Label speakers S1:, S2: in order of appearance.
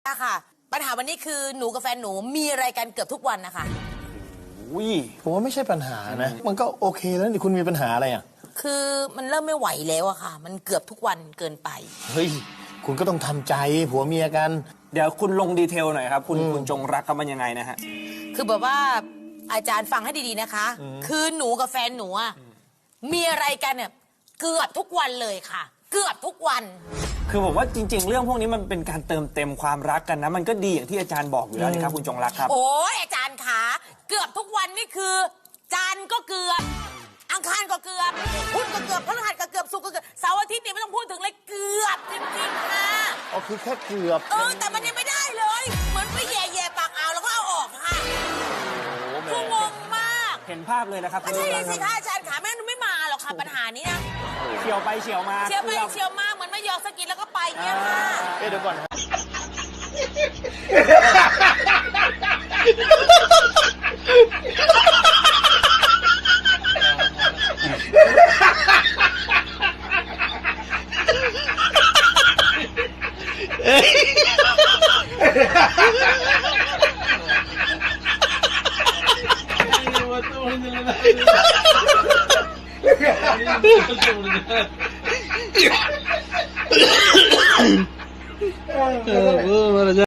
S1: ค่ะปัญหาวันนี้คือหนูกับแฟนหนูมีอะไรกันเกือบทุกวันนะคะ
S2: ผมว่าไม่ใช่ปัญหานะ มันก็โอเคแล้วนี่คุณมีปัญหาอะไรอ่ะ
S1: คือมันเริ่มไม่ไหวแล้วอะค่ะ มันเกือบทุกวันเกินไป
S2: เฮ้ยคุณก็ต้องทำใจผัวเมียกัน
S3: เดี๋ยวคุณลงดีเทลหน่อยครับคุณจงรักครับมันยังไงนะฮะ
S1: คือแบบว่าอาจารย์ฟังให้ดีๆนะคะคือหนูกับแฟนหนูอะมีอะไรกันเนี่ยเกือบทุกวันเลยค่ะ เกือบทุกวัน
S3: คือผมว่าจริงๆเรื่องพวกนี้มันเป็นการเติมเต็มความรักกันนะมันก็ดีอย่างที่อาจารย์บอกอยู่แล้วนะครับคุณจงรักครับ
S1: โอ้ยอาจารย์ขาเกือบทุกวันนี่คือจันทร์ก็เกือบอังคารก็เกือบพุธก็เกือบพฤหัสก็เกือบศุกร์ก็เกือบเสาร์อาทิตย์นี่ไม่ต้องพูดถึงเลยเกือบจริงๆค่ะ
S2: อ๋อคือแค่เกือบ
S1: แต่มันยังไม่ได้เลยเหมือนไปแย่ๆปากอ่าวแล้วก็เอาออกค่ะคืองงมาก
S3: เห็นภาพเลยนะครับ
S1: ไม่ใช่สิคะอาจารย์ขาแม่ไม่มาหรอกค่ะปัญหานี้นะ
S3: เฉียวไปเฉียวมา
S1: เฉียวไปเฉียวมาเหมือนไม่ยอมสกินแล้วก็ไปเงี้ยค่ะ
S2: เดี๋ยวก่อนนะ